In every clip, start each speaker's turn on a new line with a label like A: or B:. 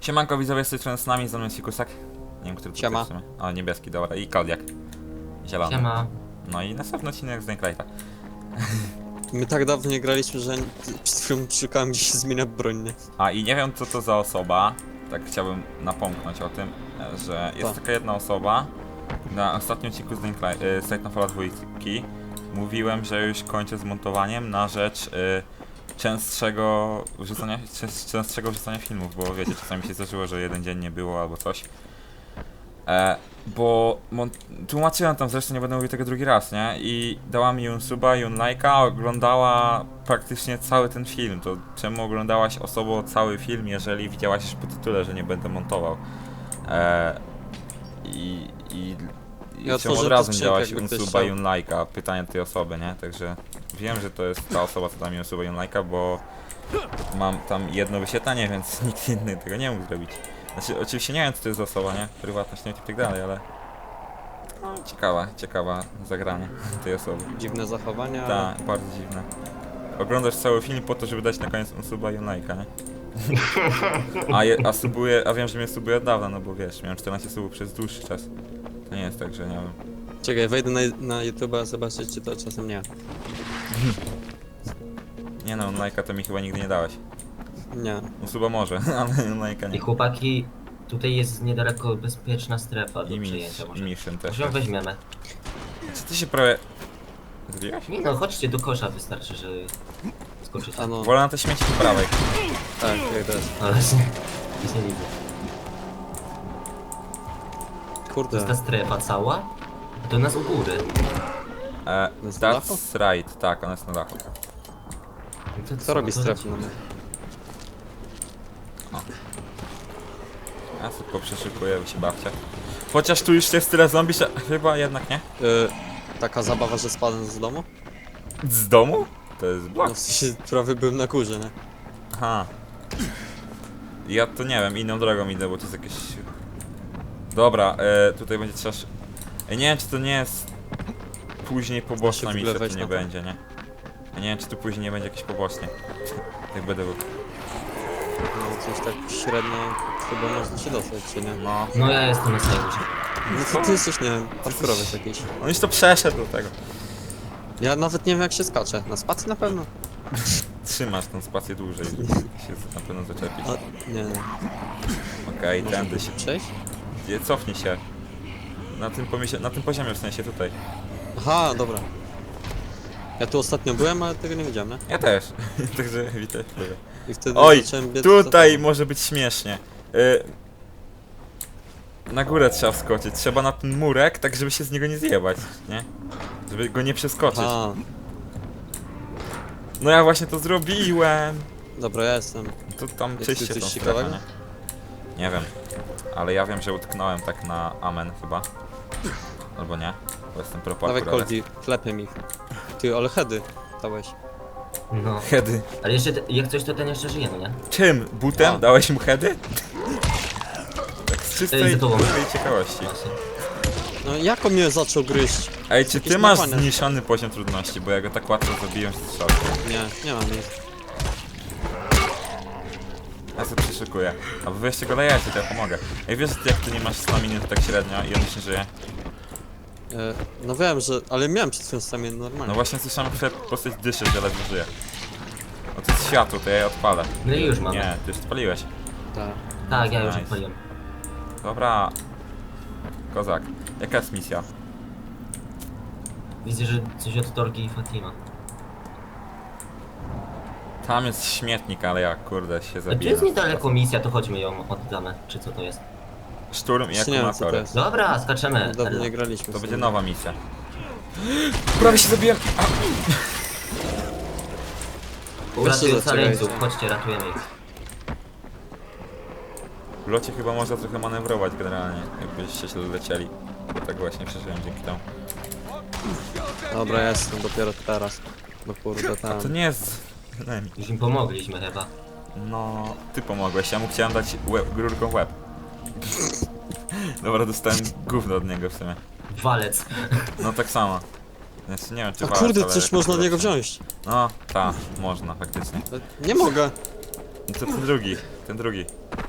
A: Siemanko widzowie, z tej strony z nami, z nami jest Fikusek. Nie wiem, który to
B: Siema.
A: jest w sumie. O, niebieski, dobra. I Kodiak. Zielony.
C: Siema.
A: No i następny odcinek z Nightlife'a.
B: My tak dawno nie graliśmy, że przed chwilą szukałem, gdzie się zmienia broń, nie?
A: A i nie wiem, co to za osoba. Tak chciałbym napomknąć o tym, że jest taka jedna osoba. Na ostatnim odcinku z Titanfalla 2 mówiłem, że już kończę z montowaniem na rzecz częstszego wrzucania filmów, bo wiecie, czasami się zdarzyło, że jeden dzień nie było albo coś. Bo tłumaczyłem tam, zresztą nie będę mówił tego drugi raz, nie? I dała mi suba, lajka, oglądała praktycznie cały ten film. To czemu oglądałaś osobą cały film, jeżeli widziałaś już po tytule, że nie będę montował?
B: Ja
A: czemu od
B: otworzę
A: razu
B: to
A: nie
B: skrzynkę,
A: dałaś
B: jakby ktoś
A: suba,
B: chciał.
A: lajka? Pytanie tej osoby, nie? Także wiem, że to jest ta osoba, co da mi suba, lajka, bo mam tam jedno wyświetlenie, więc nikt inny tego nie mógł zrobić. Znaczy, oczywiście nie wiem, co to jest za osoba, nie? Prywatność i tak dalej, ale... No, ciekawa zagranie tej osoby.
B: Dziwne zachowania.
A: Tak, bardzo dziwne. Oglądasz cały film po to, żeby dać na koniec suba i lajka, nie? A wiem, że mnie subuje od dawna, no bo wiesz, miałem 14 subów przez dłuższy czas. To nie jest tak, że nie wiem.
B: Czekaj, wejdę na YouTube'a, zobaczyć, czy to czasem nie.
A: Nie no, lajka to mi chyba nigdy nie dałeś.
B: Nie.
A: Suba może, ale lajka
C: I
A: nie.
C: chłopaki, tutaj jest niedaleko bezpieczna strefa do
A: I
C: przyjęcia może.
A: Mission też.
C: Może ją weźmiemy.
A: Co ty się prawie... Zrobiłeś?
C: Nie no, chodźcie do kosza, wystarczy, że skoczycie.
B: A no,
A: Wolę na te śmieci po prawej.
B: tak, jak to jest.
C: Ale nic nie widzę. To
B: Kurde.
C: jest ta strefa cała? Do nas u góry.
B: Jest na dachu?
A: That's right, tak, ona jest na dachu.
C: No to
B: Co robi
C: to
B: strefa?
C: lecimy.
A: Ja szybko przeszukuję, by się bawcie. Chociaż tu już jest tyle zombie, że chyba jednak nie.
B: Taka zabawa, że spadłem z domu?
A: Z domu? To jest blok.
B: No w sensie prawie byłem na górze, nie?
A: Aha. Ja to nie wiem, inną drogą idę, bo to jest jakieś... Dobra, tutaj będzie trzeba... Nie wiem, czy to nie jest... Później poboczna
B: w ogóle
A: misja,
B: wejść
A: to nie
B: na to?
A: będzie, nie? Ja nie wiem, czy tu później nie będzie jakieś poboczne. Jak będę...
B: No coś tak średnio chyba można się dostać, czy nie?
A: No...
C: No ja jestem na samej górze.
B: No to ty jesteś, nie wiem, parkurowiec jakiś.
A: On już to przeszedł do tego.
B: Ja nawet nie wiem, jak się skacze. Na spacji na pewno?
A: Trzymasz tą spację dłużej, żeby się na pewno zaczepić.
B: A, nie.
A: Okej,
B: Można
A: tędy
B: tu
A: się...
B: przejść?
A: Cofnij się. Na tym poziomie, w sensie tutaj.
B: Aha, dobra. Ja tu ostatnio byłem, ale tego nie widziałem, nie?
A: Ja też. Także witaj.
B: I wtedy
A: Oj,
B: zacząłem biec
A: tutaj może być śmiesznie. Na górę trzeba wskoczyć. Trzeba na ten murek, tak żeby się z niego nie zjebać, nie? Żeby go nie przeskoczyć.
B: A,
A: No ja właśnie to zrobiłem.
B: dobra, ja jestem.
A: To tam
B: Jest
A: czyście
B: tu
A: tą
B: coś
A: strefę,
B: ciekawego?
A: nie? Nie wiem. Ale ja wiem, że utknąłem tak na amen chyba. Albo nie. Bo jestem pro
B: Dawaj
A: parkour, ale-
B: Koldi, klepiem ich. Ty, ale heady dałeś.
C: No.
A: Heady.
C: Ale jeszcze, jak coś to ten jeszcze żyje, no nie?
A: Czym? Butem?
B: A.
A: Dałeś mu heady? Tak z czystej
C: za tobą.
A: ciekawości.
C: Właśnie.
B: No jak on mnie zaczął gryźć?
A: Ej, czy
B: Jakieś
A: ty masz
B: napane.
A: zniszczony poziom trudności? Bo ja go tak łatwo zabiłem z strzału.
B: Nie mam nic.
A: Ja sobie przyszykuję. A wy jeszcze go lejecie, to ja pomogę. Ej, wiesz jak ty nie masz staminy to tak średnio i on już nie żyje?
B: No wiem, że... ale miałem przed chwilą stamie normalnie.
A: No właśnie słyszałem, że postać dyszy, że ledwo żyje. No to jest światło, to ja je odpalę.
C: No i już mamy.
A: Nie, ty już odpaliłeś.
B: Tak.
C: Tak, ja już
A: Nice.
C: odpaliłem.
A: Dobra. Kozak. Jaka jest misja?
C: Widzę, że coś od Torgi i Fatima.
A: Tam jest śmietnik, ale ja kurde się
C: A tu
A: zabiję.
C: jest niedaleko misja, to chodźmy ją oddamy. Czy co to jest?
A: Szturm i
B: Jeszcze nie wiem, co to
A: akumulatory.
B: jest.
C: Dobra, skaczemy.
B: Dawno nie graliśmy.
A: To
B: w
A: będzie
B: sumie.
A: nowa misja. Prawie się zabiłem! A.
C: Uratuj
B: Weźcie
C: ocaleńców,
B: zaczekajcie.
C: chodźcie, ratujemy ich.
A: W locie chyba można trochę manewrować generalnie, jakbyście się lecieli. Bo tak właśnie przeżyłem dzięki temu.
B: Dobra, ja jestem dopiero teraz. No kurde, tam.
A: To nie jest... enemy.
C: Już im pomogliśmy chyba.
A: No, ty pomogłeś, ja mu chciałem dać rurką w łeb. Dobra, dostałem gówno od niego w sumie.
C: Walec.
A: No tak samo. Znaczy, nie wiem czy
B: A
A: walec,
B: kurde,
A: ale
B: coś
A: jakoś
B: można od niego
A: lepsze.
B: wziąć.
A: No, tak, można faktycznie.
B: Nie mogę.
A: No to ten drugi.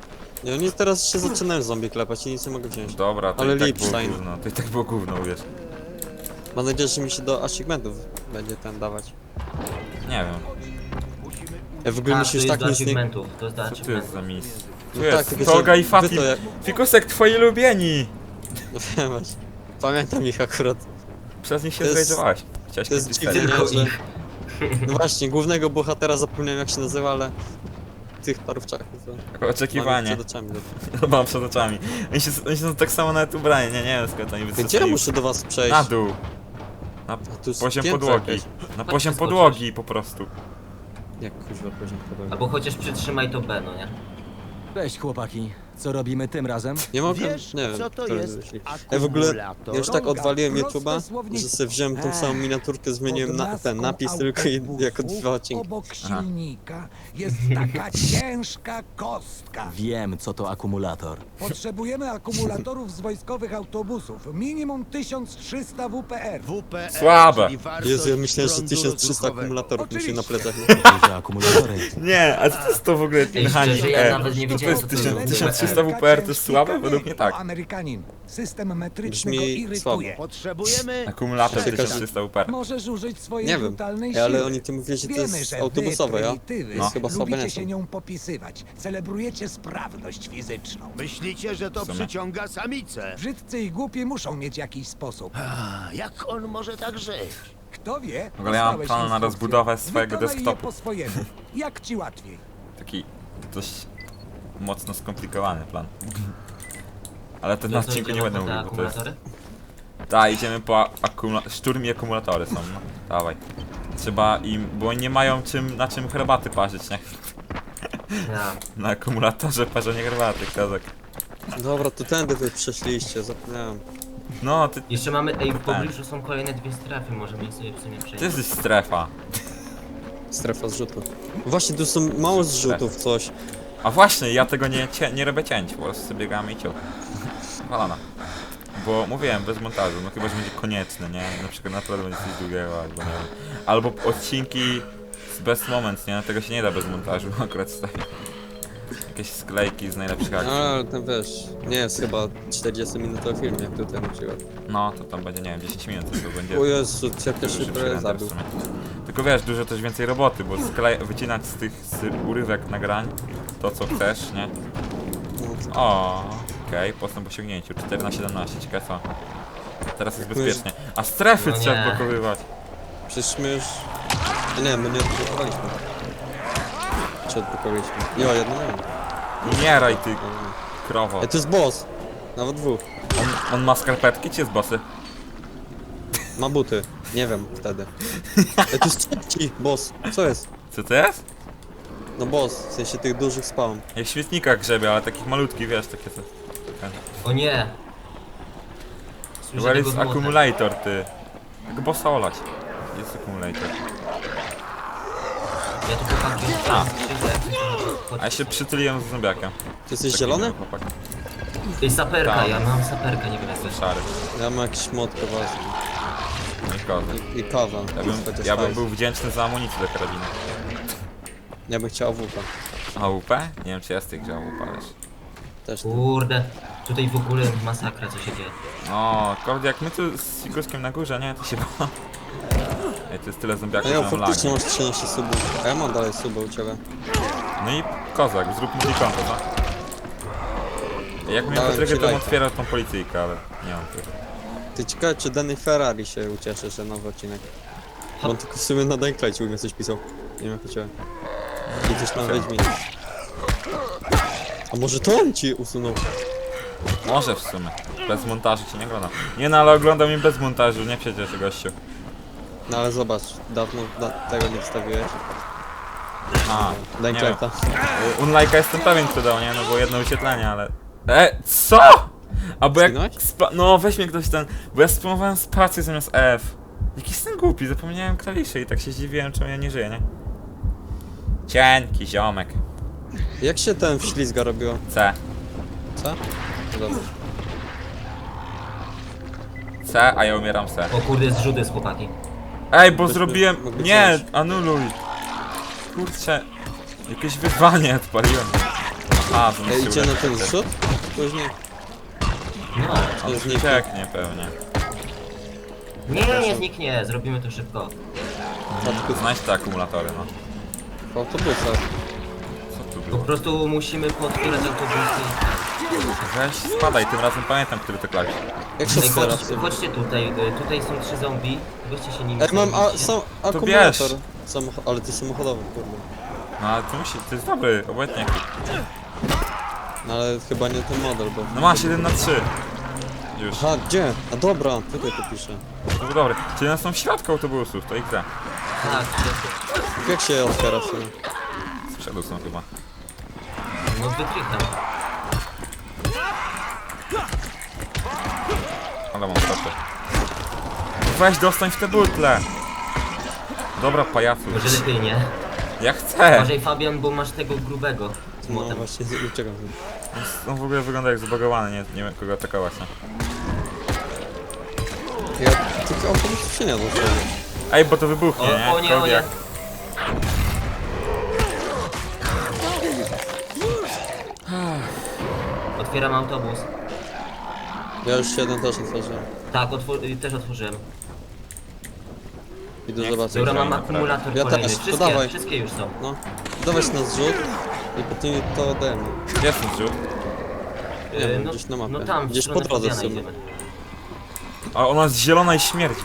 B: I oni teraz się zaczynają zombie klepać i nic nie mogę wziąć.
A: Dobra, to
B: Ale
A: i tak było
B: Lipstein.
A: gówno. To i tak było gówno, wiesz.
B: Mam nadzieję, że mi się do achievementów będzie ten dawać.
A: Nie wiem.
B: Ja w ogóle
C: Tak,
B: mi
C: to
B: się
C: jest
B: już tak
C: do
B: nic nie...
C: achievementów, to jest do
A: Co tu jest za
C: achievementów.
A: mis? Tu
B: No
A: jest,
B: tak, tylko
A: Toga
B: że
A: i Fatih.
B: wy to jak-
A: Fikusek, twoi ulubieni!
B: No wiem właśnie. Pamiętam ich akurat.
A: Przez nich się
B: To jest-
A: zrejdowałeś. Chciałeś
B: to jest
A: kupić
B: dziwne,
A: serię.
C: Tylko
B: nie, że-
C: ich.
B: No właśnie, głównego bohatera zapomniałem jak się nazywa, ale... Tych parówczaków to...
A: Jako oczekiwanie.
B: Mam ich przed oczami.
A: Mam przed oczami. Oni są tak samo nawet ubrani, nie wiem skąd oni
B: Gdzie ja
A: wystrzeli.
B: muszę do was przejść?
A: Na dół. Na
B: A tu jest
A: poziom
B: piętro
A: podłogi.
B: jakieś.
A: Na poziom
C: skoczysz.
A: podłogi po prostu.
B: Jak kuźwa poziom podłogi?
C: Albo chociaż przytrzymaj to B, no nie?
D: Cześć chłopaki, co robimy tym razem?
B: Nie mogę?
E: Wiesz,
B: Nie wiem.
E: co to
B: kto
E: jest
B: wymyślił. Ja w ogóle...
E: akumulator?
B: Ja już tak
D: Droga,
B: odwaliłem
D: proste
B: YouTube'a, że
D: słownictwo.
B: sobie wziąłem tą samą miniaturkę, zmieniłem na, ten napis tylko i jako 2 odcinki.
F: Obok
A: Aha.
F: silnika jest taka ciężka kostka.
D: Wiem, co to akumulator.
F: Potrzebujemy akumulatorów z wojskowych autobusów. Minimum 1300 WPR.
E: WPR,
A: Słabe.
E: czyli wartość
B: Jezu, ja myślałem, że
E: prądu
B: 1300
E: rozruchowego.
B: akumulatorów musi na
F: Oczywiście.
B: plecach.
D: Duże akumulatory.
A: Nie, a co to jest to w ogóle
C: Ej, szczerze, ja nawet nie
A: To
C: wiedziałem,
A: jest
C: co to jest
A: 1300 WPR, to jest słabe? Według mnie tak.
F: To Amerykanin. System metryczny
B: Brzmi
F: go irytuje.
E: Potrzebujemy
A: Akumulator
B: Czekaj,
A: 1300 WPR.
F: Możesz użyć swojej
B: Nie wiem,
F: brutalnej
B: Ej,
F: siły.
B: ale oni tu mówili, że to
F: Wiemy,
B: jest
F: że
B: autobusowe,
F: wy,
B: ja?
F: prymitywy,
A: No.
B: Chyba słabe
F: lubicie
B: nie
F: się
B: są.
F: nią popisywać. Celebrujecie sprawność fizyczną.
E: Myślicie, że to
A: W sumie.
E: przyciąga samice?
F: Brzydcy i głupi muszą mieć jakiś sposób.
E: A, jak on może tak żyć?
F: Kto wie?
A: W ogóle ja mam
F: dostałeś
A: plan na
F: instrukcję.
A: rozbudowę swojego
F: Wykonaj je
A: desktopu.
F: po swojemu. Jak ci łatwiej.
A: Taki dość mocno skomplikowany plan. Ale ten
C: To
A: na
C: co,
A: odcinku nie
C: idziemy
A: będę
C: po te
A: mówił, bo to jest...
C: akumulatory?
A: Tak, idziemy po szturm i akumulatory są, no. Dawaj. Trzeba im, bo oni nie mają na czym herbaty parzyć, nie?
C: Ja.
A: Na akumulatorze parzenie herbaty, kozak.
B: Dobra, to tędy wy przeszliście, zapomniałem.
A: No, ty
C: Jeszcze mamy, ej, w pobliżu są kolejne dwie strefy, możemy je sobie w sumie przejść.
A: jesteś strefa.
B: Strefa zrzutu. Właśnie, tu są mało zrzutów, coś.
A: A właśnie, ja tego nie robię cięć, po prostu sobie biegamy i ciął. Walana. Bo mówiłem, bez montażu, no chyba, że będzie konieczny, nie? Na przykład naprawdę będzie coś długiego, albo nie wiem. Albo odcinki z best moment, nie? Tego się nie da bez montażu akurat wstawić. Jakieś sklejki z najlepszych akcji.
B: No, ale ten wiesz, nie jest chyba 40-minutowy film, jak tutaj na przykład.
A: No, to tam będzie, nie wiem, 10 minut, to będzie...
B: O Jezu, jak ja
A: Dużo
B: się
A: szybszy
B: prawie
A: render w
B: zabił.
A: sumie. Tylko wiesz, dużo też więcej roboty, bo wycinać z tych urywek nagrań to co chcesz, nie?
B: No,
A: O, okej, postęp w osiągnięciu, 14-17, ciekawe co. Teraz jest
B: Jak my już-
A: bezpiecznie. A strefy
C: No
A: trzeba
C: nie.
A: blokowywać.
B: Przecież my już... Nie, my nie odblokowaliśmy. Czy odblokowaliśmy? Jo, jedno nie wiem.
A: Umieraj ty, krowo.
B: Ej, to jest boss. Nawet dwóch.
A: On ma skarpetki czy jest bossy?
B: Ma buty. Nie wiem wtedy. Ej, to jest trzeci boss. Co jest?
A: Co to jest?
B: No boss, w sensie tych dużych spawn.
A: Jak w świetnikach grzebie, ale takich malutkich, wiesz, takie co.
C: O nie! Słyszę
A: Where
C: tego
A: is
C: złotek.
A: accumulator, ty? Jak bossa olać. Jest accumulator.
C: Ja tu chłopaki,
A: A.
C: przyjdę, jak coś
A: A ja się przytuliłem z zombiakiem.
B: Ty jesteś
A: Taki
B: zielony?
A: miły chłopak.
C: To jest saperka,
A: Tak.
C: ja mam saperkę, nie wiem jak to jest.
A: Szary.
B: Ja mam jakiś mod kowalski.
A: No i kozak.
B: I kawa.
A: Ja bym był wdzięczny za amunicję do karabinu.
B: Ja bym chciał AWP.
A: AWP? Nie wiem czy jest tych grze AWP, wiesz.
B: Też nie.
C: Kurde, tutaj w ogóle masakra co się dzieje.
A: O, kurde, jak my tu z Figurkiem na górze, nie? To się ba... Ej, to jest tyle zombiaków,
B: No
A: że
B: ja
A: mam
B: faktycznie
A: lagi.
B: masz 13 subów. A ja mam dalej suby u ciebie.
A: No i kozak, zrób multikonto, co? Jak mnie
B: Dałem
A: Patrykę,
B: ci
A: to bym
B: lajka.
A: otwierał tą policyjkę, ale nie mam tego.
B: Ty ciekawe, czy Danny Ferrari się ucieszy, że nowy odcinek. Bo on tylko w sumie na Dayclajcie u mnie coś pisał. Nie wiem jak u ciebie. I coś tam Wiedźminie. A może to on ci usunął?
A: Może w sumie. Bez montażu ci nie oglądam. Nie no, ale oglądam im bez montażu, nie przecież gościu.
B: No ale zobacz, dawno tego nie wstawiłeś.
A: A, nie wiem.
B: Dayclajta.
A: Unlike'a jestem pewien co dał, nie? No bo jedno wyświetlenie, ale... Co? A bo jak...
B: Zginąłeś?
A: No weź mnie ktoś ten... Bo ja spamowałem spację zamiast F. Jaki jestem głupi, zapomniałem klawiszy i tak się zdziwiłem, czemu ja nie żyję, nie? Cienki ziomek.
B: Jak się ten wślizga robiło?
A: C.
B: Co? No dobra.
A: C, a ja umieram C.
C: O kurde, zrzut jest chłopaki.
A: Ej, bo
B: Byśmy
A: zrobiłem...
B: mogli
A: Nie,
B: coś.
A: anuluj. Kurczę. Jakieś wyzwanie odpaliłem. A, to
B: Ej,
A: się
B: idzie na
A: uleczy.
B: ten zrzut? Później.
C: No.
A: On
B: zniknie.
A: zniknie pewnie.
C: Nie zniknie, zrobimy to szybko.
A: Znajdź te akumulatory, no.
B: W autobusach.
A: Co tu
C: Po
A: było?
C: prostu musimy podpierać autobusy.
A: Weź spadaj, tym razem pamiętam, który to klawisz.
B: Jak się
C: Ej,
B: otwiera?
C: chodźcie tutaj, tutaj są 3 zombie. Weźcie się nimi
B: Ej, mam
C: zajmijcie.
B: akumulator. Ale to samochodowy, kurde.
A: No ale to musi, to jest dobry, obojętnie.
B: No ale chyba nie ten model, bo...
A: No masz 1 na 3. Już.
B: Aha, gdzie? A dobra, tutaj to pisze.
A: To był dobry. Czyli one są w środku autobusów, to ich da.
C: Tak, to-
B: Jak się je otwiera w sumie?
A: Z przodu są chyba.
C: no wykrytam.
A: Ale mam stopę. Weź dostań w te butle! Dobra, pajacu.
C: Może lepiej nie.
A: Ja chcę!
C: Uważaj Fabian, bo masz tego grubego z
B: No
C: młotem.
B: właśnie, uciekam.
A: On w ogóle wygląda jak zbagowany, nie wiem kogo atakować, no.
B: Ja tylko autobusów się nie da otworzyć.
A: Ej, bo to wybuchnie, nie?
C: O nie, o nie.
A: Kodiak.
C: Otwieram autobus.
B: Ja już jeden też otworzyłem.
C: Tak, też otworzyłem.
B: Idę
A: Nie
B: zobaczyć.
C: Dobra, mam
A: Fajnie,
C: akumulator
B: Ja
C: kolejny.
B: też, to dawaj.
C: Wszystkie już są.
B: No. Dawać na zrzut i potem to ode mnie.
A: Gdzie jest ten zrzut?
B: Nie wiem,
C: no,
B: gdzieś na mapie.
C: No tam, w
B: Gdzieś
C: stronę
B: po drodze
C: Fabiana
B: sobie.
C: idziemy.
A: A ona jest zielona i śmierdzi.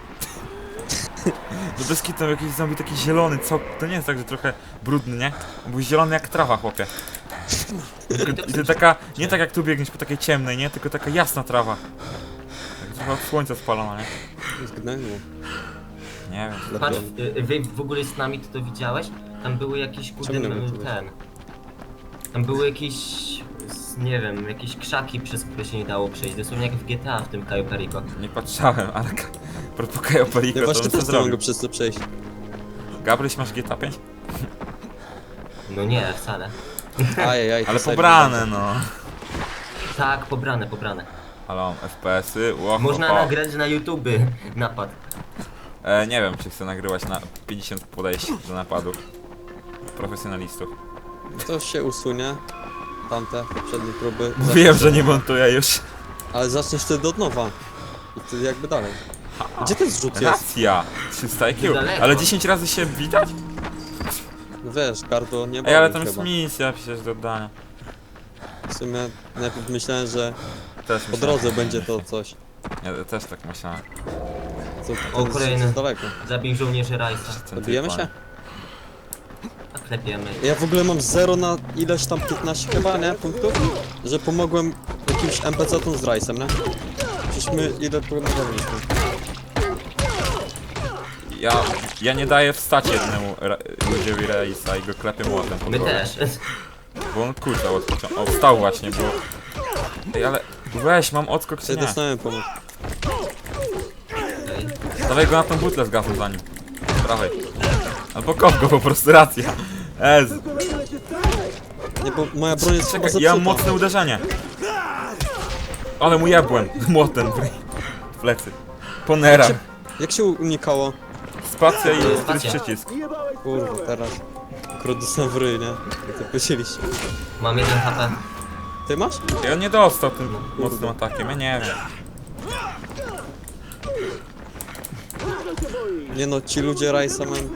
A: Do bez kitu jakiś zombie taki zielony, co? To nie jest tak, że trochę brudny, nie? Był zielony jak trawa, chłopie. I to taka, nie tak jak tu biegniesz po takiej ciemnej, nie? Tylko taka jasna trawa. Tak trochę od słońca spalona, nie?
B: Zgnęło.
A: Nie wiem.
C: Patrz, wy w ogóle z nami ty to widziałeś? Tam były jakieś kurde,
B: Czemu nie wiem,
C: ten... Tam były jakieś... nie wiem, jakieś krzaki, przez które się nie dało przejść. Dosłownie jak w GTA w tym Cayo Perico.
A: Nie patrzałem, ale propos Cayo Perico,
B: Ja
A: to
B: właśnie
A: bym co
B: też nie mogę
A: zrobił.
B: przez to przejść.
A: Gabryś, masz GTA 5?
C: No nie, wcale.
B: Ajajaj.
A: Ale
B: to sobie
A: pobrane,
B: będzie.
A: no.
C: Tak, pobrane.
A: Ale mam FPS-y, ło,
C: Można
A: ho, ho.
C: nagrać na YouTube napad.
A: Nie wiem, czy chcę nagrywać na 50 podejść do napadu. Profesjonalistów.
B: To się usunie. Tamte poprzednie próby.
A: Mówiłem, że nie montuję już.
B: Ale zaczniesz wtedy od nowa. I ty jakby dalej. Gdzie ten zrzut jest?
A: Racja! 300 IQ.
C: Daleko.
A: Ale 10 razy się widać?
B: No wiesz, gardło nie
A: Ej, ale
B: boli
A: tam jest
B: chyba.
A: misja przecież do oddania.
B: W sumie najpierw myślałem, że
A: Też
B: po
A: myślałem.
B: drodze będzie to coś.
A: Ja też tak myślałem.
B: Co,
C: O,
B: ten
C: kolejny.
B: jest daleko.
C: Zabij żołnierzy Rajsa.
A: Ten
B: Dobijemy
A: typ,
B: się?
C: A klepiemy.
B: Ja w ogóle mam 0 na ileś tam 15 chyba, nie? Punktów? Że pomogłem jakimś NPC-tom z Rice'em, nie? Przecież my ile pomagaliśmy.
A: Ja nie daję wstać jednemu ludziowi Reisa i go klepię młotem po
C: My
A: głowie.
C: też.
A: Bo on kurczał od początku. O, wstał właśnie, bo... Ej, ale weź, mam odskok czy
B: Ja
A: nie?
B: dostałem pomoc.
C: Okej.
A: Dawaj go na tą butlę z gazem za nim. Prawej. Albo kop go po prostu, racja. Ez.
B: Nie, bo moja broń jest chyba
A: Czekaj, ja mam
B: zepsuta.
A: mocne uderzenie. Ale mu jebłem młotem w plecy. Ponera.
B: Jak się unikało?
A: Spacja i któryś
C: Spacja.
A: przycisk.
B: Kurwa, teraz. Akurat dostałem w ryj, nie? I to powiedzieliście.
C: Mam 1 HP.
B: Ty masz?
A: I on nie dostał tym mocnym atakiem, ja nie wiem.
B: Nie no, ci ludzie Rice'a mają...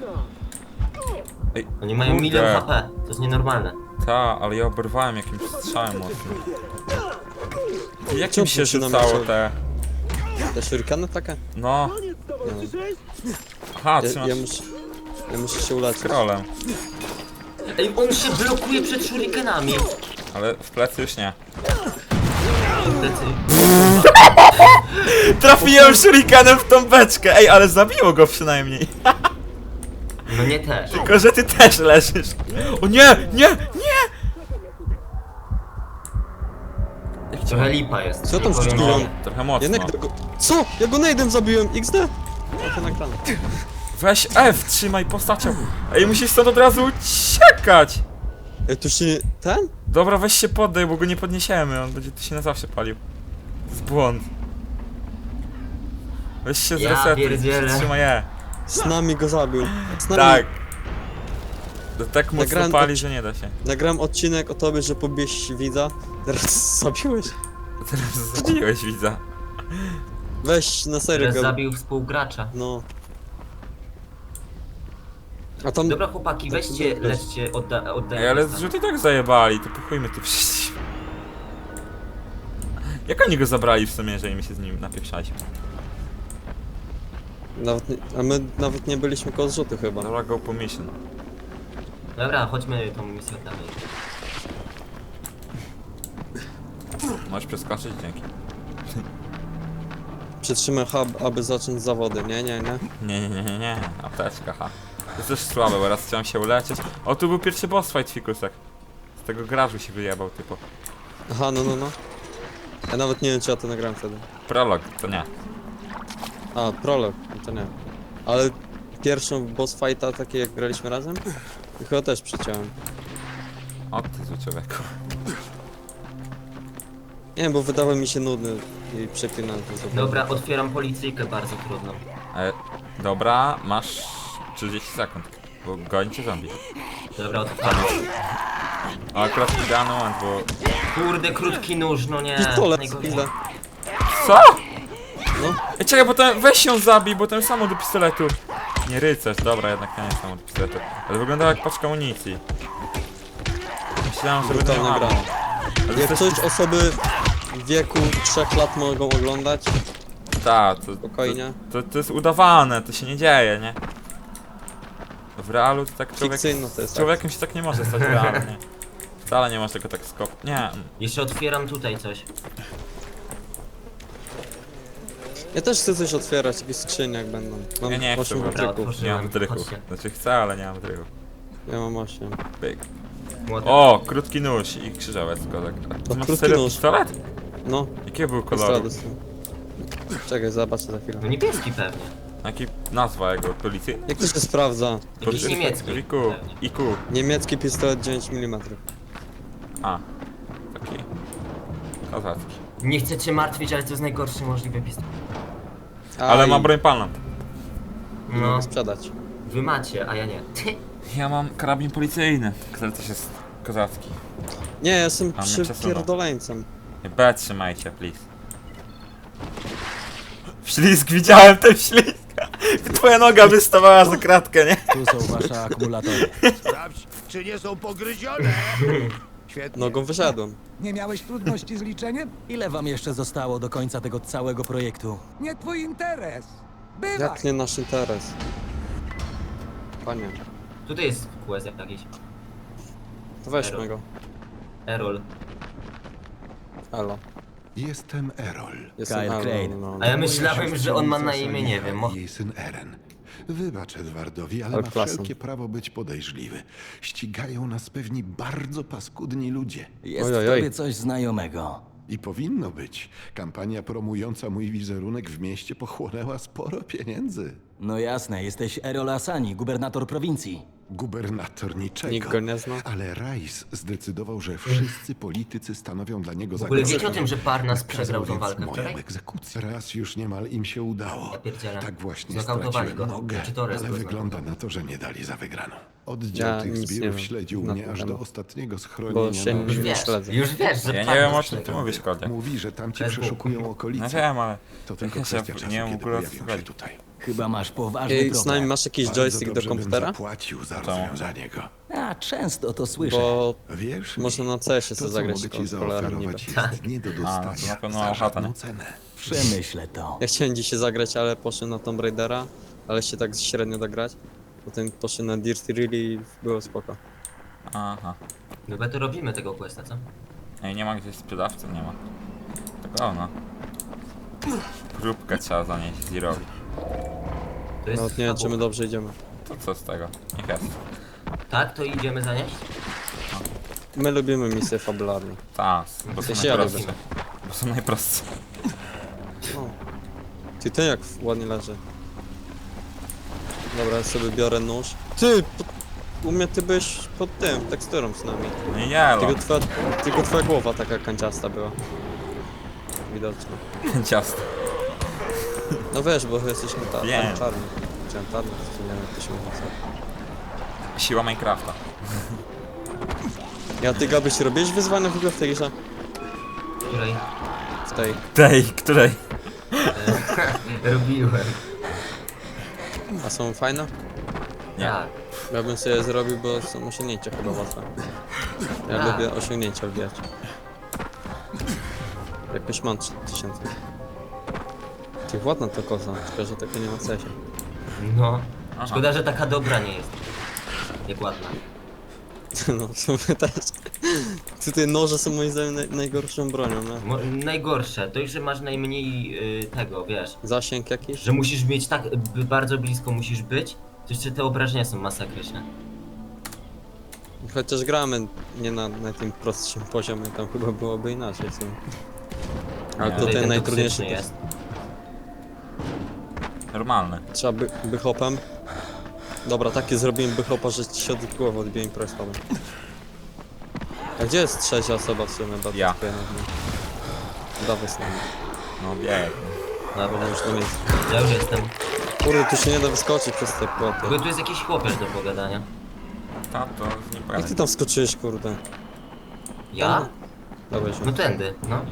A: Ej,
C: Oni mają
A: kurde.
C: 1 HP. To jest nienormalne.
A: Ta, ale ja oberwałem jakimś strzałem mocnym. I jak
B: Czemu
A: mi się
B: się
A: rzucało
B: namawiał?
A: te...
B: Te shurikany takie?
A: No.
B: Nie wiem.
A: Aha,
B: Ja,
A: trzymasz
B: ja muszę się uleczyć.
A: scrollem.
C: Ej, on się blokuje przed shurikenami.
A: Ale w plecy już nie.
C: Plecy.
A: Trafiłem shurikenem w tą beczkę! Ej, ale zabiło go przynajmniej.
C: No nie też.
A: Tylko, że ty też leżysz. O nie, nie, nie!
C: Trochę lipa jest.
B: Co tam
C: Nie powiem,
B: wrzuciłem?
C: że-
A: Trochę mocno.
B: Ja go... Co? Ja go nade'em zabiłem! XD! O, to nagrane.
A: Weź F, trzymaj postacią. Ej, musisz stąd od razu uciekać!
B: Ej, tu się... Ten?
A: Dobra, weź się poddaj, bo go nie podniesiemy. On będzie tu się na zawsze palił. To jest błąd. Weź się
C: Ja
A: zresetuj,
C: pierdzielę.
A: trzymaj E.
B: Z nami go zabił. Z nami...
A: Tak. To tak mocno
B: Nagrałem
A: pali, że nie da się.
B: Nagrałem odcinek o tobie, że pobieś widza, teraz zabiłeś.
A: Teraz zabiłeś widza.
B: Weź na serio
C: Teraz
B: go.
C: zabił współgracza.
B: No. A tam...
C: Dobra chłopaki, weźcie, leczcie,
A: Ej,
C: oddaję.
A: ale zrzut i tak zajebali, to pochujmy tu przecież. Jak oni go zabrali w sumie, jeżeli my się z nim napieprzaliśmy?
B: A my nawet nie byliśmy koło zrzutu chyba.
A: Dobra, go po mission.
C: Dobra, chodźmy tą misję dalej.
A: Możesz przeskoczyć? Dzięki.
B: Przytrzymaj hub, aby zacząć zawody. Nie.
A: Nie. Apteczka, ha. To jest też słabe, bo raz chciałem się uleczyć. O, tu był pierwszy boss fight, fikusek. Z tego garażu się wyjebał, typu.
B: Aha, no. Ja nawet nie wiem, czy ja to nagrałem wtedy.
A: Prolog, to nie.
B: A, prolog, no to nie. Ale pierwszą boss fighta, takie jak graliśmy razem, to chyba też przyciąłem.
A: O, ty zły człowieku.
B: Nie wiem, bo wydawał mi się nudny i przeklinałem to sobie.
C: Dobra, otwieram policyjkę bardzo trudną.
A: Dobra, masz 30 sekund, bo gońcie zombie.
C: Dobra, otwieram.
A: O, akurat idealny moment, bo...
C: Kurde, krótki nóż, no nie.
B: Pistolet,
C: najgorzej.
B: pizda.
A: Co?
B: No.
A: Ej, czekaj, bo ten, weź ją zabij, bo ten samo do pistoletu. Nie rycerz, dobra, jednak nie jest samo do pistoletu. Ale wyglądała jak paczka amunicji. Myślałem, że będę
B: Brutalna
A: miał.
B: gra.
A: Ale
B: Jak
A: to
B: coś osoby w wieku 3 lat mogą oglądać,
A: Ta, to,
B: spokojnie.
A: to jest udawane, to się nie dzieje, nie? W realu to tak człowiek...
B: Fikcyjno to jest
A: Z człowiekiem się tak nie może stać realnie. Wcale nie masz tego tak skop... Nie.
C: Jeszcze otwieram tutaj coś.
B: Ja też chcę coś otwierać, jakieś skrzynie jak będą. Mam
A: Ja nie chcę,
B: 8
A: bo-
B: wydryków.
A: Nie mam wdrychów.
C: Chodźcie.
A: Znaczy chcę, ale nie mam wdrychów.
B: Ja mam 8.
A: Pyk.
C: Młotek.
A: O, krótki nóż i krzyżowiec, kozak. Ty masz
B: krótki
A: serio
B: nóż.
A: pistolet?
B: No,
A: Jakiego był
B: pistolet
A: koloru?
B: dostałem. Czekaj, zobaczę za chwilę.
C: No niebieski pewnie.
A: Jaki nazwa jego policji?
B: Jak to się sprawdza?
C: Jakiś niemiecki.
A: IQ.
C: pewnie.
A: IQ.
B: Niemiecki pistolet 9 mm.
A: A. Taki. Kozacki.
C: Nie chcę cię martwić, ale to jest najgorszy możliwy pistolet.
A: Ale ma broń palną.
C: No,
B: Mogę sprzedać.
C: wy macie, a ja nie.
A: Ja mam karabin policyjny, który też jest kozacki.
B: Nie, ja jestem
A: A mnie przesunął.
B: przypierdoleńcem.
A: Nie, B trzymajcie, please. Ślizg, widziałem ten ślizg! Twoja noga wystawała za kratkę, nie?
D: Tu są wasze akumulatory.
E: Sprawdź, czy nie są pogryzione. Świetnie.
B: Nogą wyszedłem.
F: Nie miałeś trudności z liczeniem?
D: Ile wam jeszcze zostało do końca tego całego projektu?
F: Nie twój interes. Bywaj.
B: Jak nie nasz interes? Panie,
C: Tutaj jest quest jakiś.
B: to weźmy go.
C: Errol.
B: Elo.
G: Jestem Errol.
B: Jestem
D: Kyle
B: Elo,
D: Crane.
B: no.
C: A ja myślałem, że on ma na imię, nie wiem.
G: Jej syn Eren. Wybacz Edwardowi, ale
B: Ale
G: ma
B: klasą.
G: wszelkie prawo być podejrzliwy. Ścigają nas pewni bardzo paskudni ludzie.
D: Jest
B: Oj, oj,
D: w
B: oj.
D: tobie coś znajomego.
G: I powinno być. Kampania promująca mój wizerunek w mieście pochłonęła sporo pieniędzy.
D: No jasne, jesteś Errol Asani, gubernator prowincji.
G: Gubernator niczego.
B: Nikt go nie zna.
G: Ale Rice zdecydował, że wszyscy politycy stanowią dla niego
C: W ogóle wiecie o
G: zagrożenie.
C: tym, że Parnas
G: Nakazał
C: przegrał tą
G: więc
C: walkę
G: moją
C: wczoraj?
G: egzekucję. Raz już niemal im się udało.
C: Ja pierdzielę.
G: Tak właśnie
C: Znokautowali
G: straciłem
C: go.
G: nogę,
C: Czy Torres
G: ale
C: go
G: wygląda na to, że nie dali za wygraną. Oddział
B: Ja
G: tych
B: nic nie
G: zbirów
B: wiem
G: śledził
B: na
G: mnie
B: ten
G: aż do
B: temat.
G: ostatniego
B: Bo
G: schronienia.
B: się
G: na
C: Już
B: nie
C: wiesz,
B: śledzę.
C: już wiesz, że
A: Ja nie
C: Parnas
A: wiem, o czym ty
C: przegrał.
A: mówisz, Kodzie.
G: Mówi, że tamci
C: Facebook.
G: przeszukują okolice.
A: No wiem, ale...
G: To tylko
A: Ja
G: kwestia
A: się
G: czasu,
A: nie wiem w
G: kiedy
A: ogóle o co
G: pojawią się
A: chodzi.
G: tutaj.
D: Chyba masz poważny
B: Ej, z nami
D: problem.
B: masz jakiś
G: Bardzo
B: joystick do
G: dobrze bym
B: komputera?
G: zapłacił za rozwiązanie go.
D: A, często to słyszę.
B: Bo
G: Wiesz,
B: można na CS-ie
G: to,
B: sobie
G: co
B: zagrać
G: mogę ci
B: kontrolerem niby.
G: zaoferować, jest nie do
A: to
G: dostania
A: na pewno
G: za
A: mała chata,
G: żadną
A: nie?
G: cenę.
D: Przemyślę to.
B: Ja chciałem dzisiaj zagrać, ale poszedłem na Tomb Raidera, ale się tak średnio dograć. Potem poszedłem na Dirty Really i było spoko.
A: Aha.
C: Chyba to robimy tego questa, co?
A: Ej, nie ma gdzieś sprzedawcy, nie ma. Tak ono. Próbkę trzeba zanieść Zerowi.
C: To jest
B: Nawet nie wiem, czy my
C: fabuła.
B: dobrze idziemy.
A: To co z tego? Niech jest.
C: Tak, to idziemy zanieść?
B: My lubimy misje fabularne.
A: Tak, bo są
B: sensie ja
A: najprostsze.
B: lubię.
A: Bo są najprostsze.
B: O. Ty, ten jak ładnie leży. Dobra, ja sobie biorę nóż. Ty! U mnie ty byłeś pod tym, teksturą z nami.
A: No i nie,
B: Tylko twoja głowa taka kanciasta była. Widocznie.
A: ciasto.
B: No wiesz, bo jesteśmy
A: Wiem.
B: czarni. Chciałem czarny, to nie wiem jak to się mówi.
A: Siła Minecrafta.
B: Ja ty Gabyś robiłeś wyzwania w ogóle w tej grze?
C: Której
B: W tej.
A: Tej, której?
C: robiłem.
B: A są fajne?
A: Nie.
C: Tak.
B: Ja bym sobie je zrobił, bo są osiągnięcia chyba łatwe. Ja
C: Tak.
B: lubię osiągnięcia wbijać. Jakoś mam 3000. Ty ładna to koza, tylko że tego nie ma w sensie.
C: No.
A: Aha.
C: Szkoda, że taka dobra nie jest. Jak ładna.
B: No, w sumie też. Tutaj noże są moim zdaniem najgorszą bronią, no.
C: Najgorsze, to już, że masz najmniej tego, wiesz.
B: Zasięg jakiś?
C: Że musisz mieć tak, bardzo blisko musisz być, to jeszcze te obrażenia są masakryczne.
B: Chociaż gramy nie na tym prostszym poziomie, tam chyba byłoby inaczej w sumie. Ale
A: Nie.
B: to
C: Tutaj
B: ten
C: ten
B: najtrudniejszy
C: toksyczny
B: to
C: jest.
A: Normalny.
B: trzeba bychopem. Dobra, takie zrobiłem bychopa, że ci się od głowy odbiję i spadłem. A gdzie jest trzecia osoba w sumie? Bo
A: Ja.
B: to dawaj z nami.
A: No bieg.
C: Dobra,
B: Już do miejsca.
C: ja już jestem.
B: Kurde, tu się nie da wyskoczyć przez te płoty.
C: Tylko tu jest jakiś chłopiec do pogadania.
A: Ta to z nim
B: Jak
A: pogadaj.
B: ty tam skoczyłeś, kurde?
C: Ja?
B: Dawaj się.
C: No tędy, no.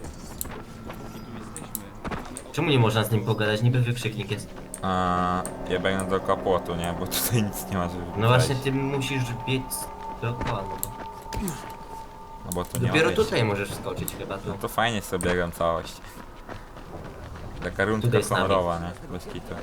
C: Czemu nie można z nim pogadać? Niby wykrzyknik jest.
A: Ja biegnę dookoła płotu, nie? Bo tutaj nic nie ma, żeby
C: No właśnie,
A: przejść.
C: ty musisz biec dookoła. No bo
A: No bo tu nie ma
C: dopiero
A: wyjścia.
C: tutaj możesz wskoczyć chyba tu.
A: No to fajnie sobie biegam całość. Taka rundka
C: Tutaj z nami.
A: honorowa, nie? Bez kitu.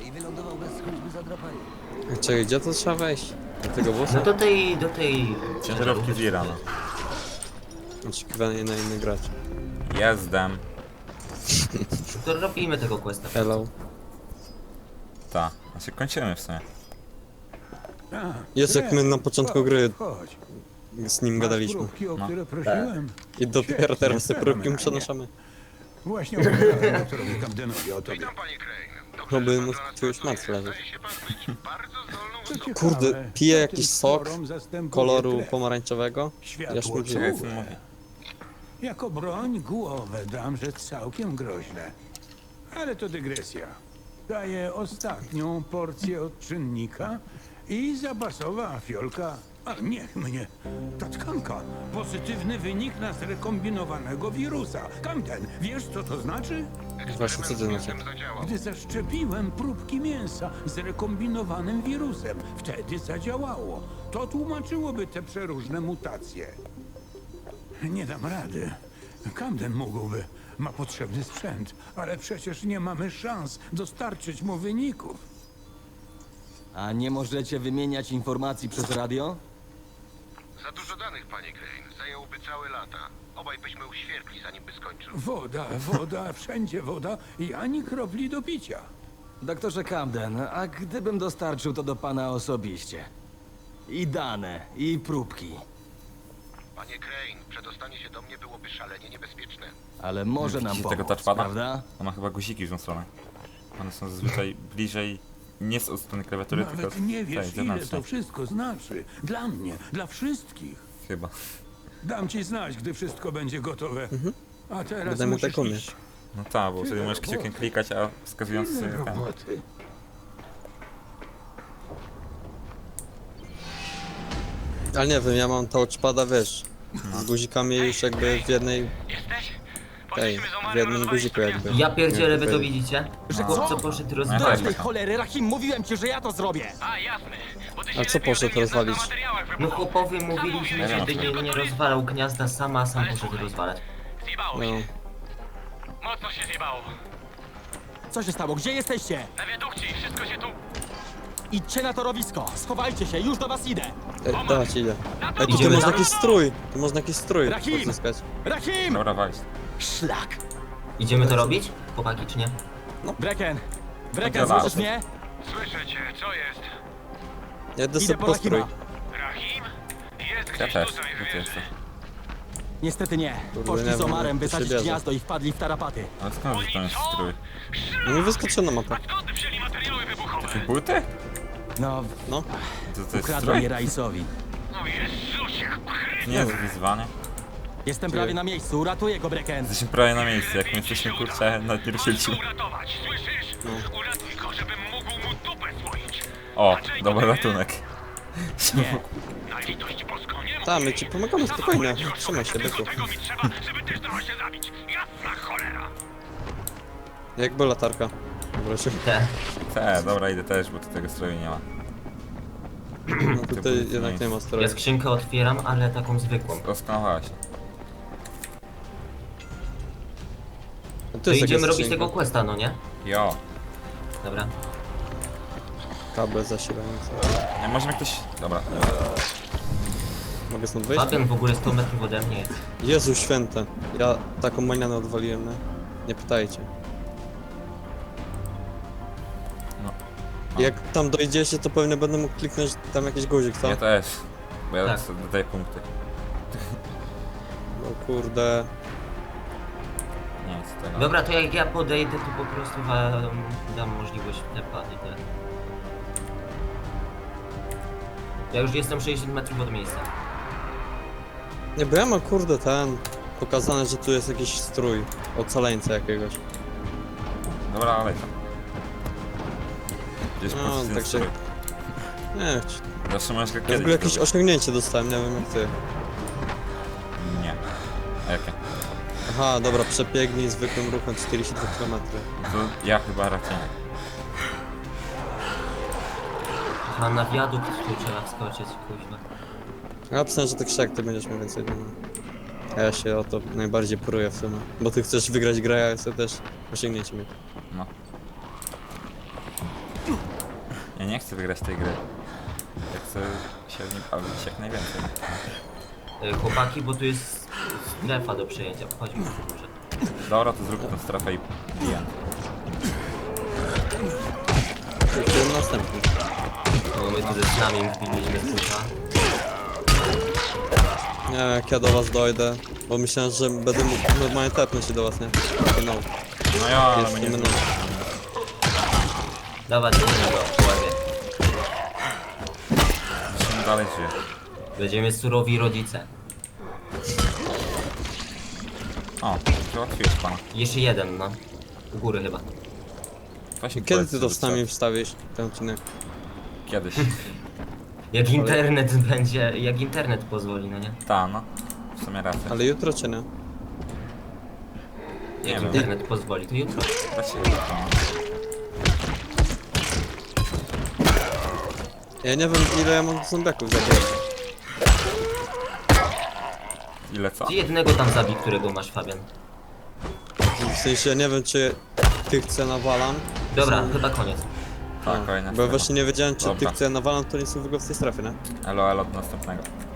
B: Czekaj, gdzie to trzeba wejść? Do tego bossa?
C: No do tej...
A: Ciężarówki Zira, no.
B: Oczekiwanie na inny gracz.
A: Jezdem.
C: To robimy tego questa.
B: Hello.
A: Ta. Znaczy kończymy w sumie.
B: Jest jak my na początku gry
E: Chodź.
B: z nim
E: Masz
B: gadaliśmy.
E: próbki, o
A: No.
E: które prosiłem.
B: I dopiero teraz te próbki przenoszamy.
E: Właśnie opowiadałem doktorowi Camdenowi o tobie.
B: Oby mu tu już martwy leżeć.
E: To ciekawe,
B: Kurde, piję
E: co
B: jakiś
E: tym
B: sok
E: sporom zastępuje
B: koloru
E: tlen.
B: pomarańczowego.
E: Światło
B: Ja śmierdziłem.
A: Czekaj, co
E: czułe.
A: on mówi?
E: Jako broń głowę dam, że całkiem groźne. Ale to dygresja. Daję ostatnią porcję odczynnika i zapasowa fiolka. A niech mnie. Ta tkanka. Pozytywny wynik na zrekombinowanego wirusa. Camden, wiesz co to znaczy?
B: Właśnie co to znaczy?
E: Gdy zaszczepiłem próbki mięsa z rekombinowanym wirusem, wtedy zadziałało. To tłumaczyłoby te przeróżne mutacje. Nie dam rady. Camden mógłby. Ma potrzebny sprzęt, ale przecież nie mamy szans dostarczyć mu wyników.
D: A nie możecie wymieniać informacji przez radio?
H: Za dużo danych, panie Crane. Zajęłoby całe lata. Obaj byśmy uświerkli, zanim by skończył.
E: Woda, wszędzie woda i ani kropli do picia.
D: Doktorze Camden, a gdybym dostarczył to do pana osobiście? I dane, i próbki.
H: Panie Crane, przedostanie się do mnie byłoby szalenie niebezpieczne.
D: Ale może nam
A: Widzicie tego
D: pomóc,
A: touchpada?
D: prawda?
A: On ma chyba guziki w tą stronę. One są zazwyczaj bliżej, nie z od strony klawiatury, tylko
E: Nawet
A: z
E: nie
A: tej
E: wiesz, ile
A: zewnętrznej.
E: to wszystko znaczy. Dla mnie, dla wszystkich.
A: Chyba.
E: Dam ci znać, gdy wszystko będzie gotowe. A teraz
B: Będę mu
E: musisz
B: tak umieć.
E: iść.
A: No tak, bo wtedy możesz kciukiem klikać, a wskazujący
E: Tyle
A: sobie ten.
E: roboty.
B: Ale nie wiem, ja mam touchpada, wiesz, z guzikami już jakby w jednej... Tej, w jednym guziku jakby.
C: Ja pierdzielę, wy to
B: powiedzieć.
C: widzicie? Że chłopco poszedł
A: No
C: rozwalić.
A: tak,
D: Tej cholery, Rahim, mówiłem ci, że ja to zrobię!
B: A co poszedł rozwalić?
C: No chłopowi mówiliśmy, żeby nie rozwalał gniazda sama, a sam poszedł rozwalać.
B: No,
I: Mocno się zjebało.
D: Co się stało? Gdzie jesteście?
I: Na wiadukcie i wszystko się tu...
D: Idźcie na torowisko! Schowajcie się, już do was idę!
B: dawać idę. Ej, tu
C: Idziemy
B: można
C: tam?
B: jakiś strój, tu można jakiś strój
D: Rahim!
B: odzyskać.
D: Rahim!
A: Dobra, walić.
D: Szlak!
C: Idziemy to robić? Chłopaki, czy nie?
D: Brecken! Brecken,
A: Oddziela.
D: słyszysz mnie?
I: Słyszę cię, co jest?
B: Ja idę
D: Idę
B: sobie
D: po
B: po strój.
D: Rahima.
I: Rahim? Jest
A: Ja
I: gdzieś
A: też.
I: tutaj,
A: Gdzie ty
I: wiesz.
A: jesteś?
D: Niestety nie.
B: Kurde,
D: Poszli
B: nie
D: z
B: wiem,
D: Omarem
B: jak to się
D: wysadzić
B: bierze.
D: gniazdo i wpadli w tarapaty.
A: Ale skąd że tam jest strój?
B: No mi wyskoczyła na mapę.
I: Skąd wzięli materiały wybuchowe?
A: Buty?
D: No,
B: No,
A: To jest
D: ukradłem je
A: strój?
D: Raisowi.
I: No Jezusie,
A: Nie jest wyzwanie.
D: Jestem prawie na miejscu, uratuję go, Brecken!
A: Jesteśmy prawie na miejscu, jak my jesteśmy kurczę na nie
I: masz
A: ruszyliśmy.
I: go uratować, słyszysz?
B: No.
I: Uratuj go, żebym mógł mu dupę słoić.
A: O, dobry ratunek.
I: Na litość boską, nie
B: Tak, my
I: mów
B: ci
I: mi.
B: pomagamy, spokojnie.
I: Zawołać go,
B: Trzymaj się,
I: tylko
B: byku.
I: tego mi trzeba, żeby też dała się zabić. Jasna cholera.
B: Jak była latarka? Proszę.
A: Dobra, idę też, bo tu tego stroju nie ma.
B: No tutaj jednak nie ma
C: Ja
B: stroju.
C: skrzynkę otwieram, ale taką zwykłą.
A: Doskonała się.
B: No,
C: To
B: jest
C: idziemy
B: jakaś
C: robić
B: skrzynka.
C: tego questa, no nie?
A: Jo.
C: Dobra.
B: Kable zasilające.
A: Nie, może mi ktoś... Dobra.
B: Mogę stąd wyjść?
C: Fabian w ogóle 100 metrów ode mnie jest.
B: Jezu święte. Ja taką manianę odwaliłem, nie? Nie pytajcie.
A: No.
B: Jak tam dojdziecie, to pewnie będę mógł kliknąć tam jakiś guzik, co?
A: Ja też. Bo ja
C: Tak.
A: sobie dodaję punkty.
B: No kurde.
A: Nie, co tego.
C: Dobra, to jak ja podejdę, to po prostu wam dam możliwość tepa i tyle. Ja już jestem 60 metrów od miejsca.
B: Nie, bo ja mam kurde pokazane, że tu jest jakiś strój. Ocaleńca jakiegoś.
A: Dobra, ale tam. Gdzieś
B: No,
A: no,
B: tak się- Nie,
A: Zawsze możesz go
B: ja w
A: kiedyś
B: ogóle jakieś
A: zrobić.
B: osiągnięcie dostałem, nie wiem jak ty.
A: Nie. A jakie?
B: Aha, dobra, przebiegnij zwykłym ruchem 42 km.
A: To ja chyba raczej nie.
C: A na wiadukt tu trzeba wskoczyć, kuźwa.
B: Ja pisałem, że ty krzak, ty będziesz miał więcej dymu. A ja się o to najbardziej pruję w sumie. Bo ty chcesz wygrać grę, a ja chcę też osiągnięcie mieć.
A: No. Ja nie chcę wygrać tej gry. Ja chcę się w nim bawić jak najwięcej.
C: Chłopaki, bo tu jest strefa do przejęcia. Chodźmy może.
A: Dobra, to zrób tę strefę i biję.
B: To jest następny.
C: No my tu ze snami wbiliśmy kurwa.
B: Nie wiem, jak ja do was dojdę. Bo myślałem, że będę mógł normalnie tepnąć się do was, nie? No,
A: No ja, ale
B: jest
A: my nie
B: nie
A: zrobimy.
C: Dawać innego w łebie.
A: Musimy dalej żyje.
C: Będziemy surowi rodzice.
A: O, załatwiłeś pana.
C: Jeszcze jeden, no. U góry chyba.
A: Właśnie
B: Kiedy
A: powiedz,
B: ty to
A: żeby
B: z nami
A: co-
B: wstawisz, ten odcinek?
A: Kiedyś.
C: Jak internet będzie, jak internet pozwoli, no nie?
A: Ta, no. W sumie racja.
B: Ale jutro czy nie?
A: Nie
C: Jak
A: wiem.
C: internet pozwoli, to jutro.
A: Da się jutro, no.
B: Ja nie wiem, ile ja mam zombiaków zabrać.
A: Ile co?
C: Ty jednego tam zabij, którego masz, Fabian.
B: W sensie, ja nie wiem, czy tych co nawalam.
C: Dobra,
B: są-
C: chyba koniec.
A: Tak,
B: No,
A: kolejna
B: Bo ja
A: strefa.
B: właśnie nie wiedziałem, czy
A: Dobra.
B: tych co ja nawalam, to nie są w ogóle w tej strefie, nie?
A: Elo, do następnego.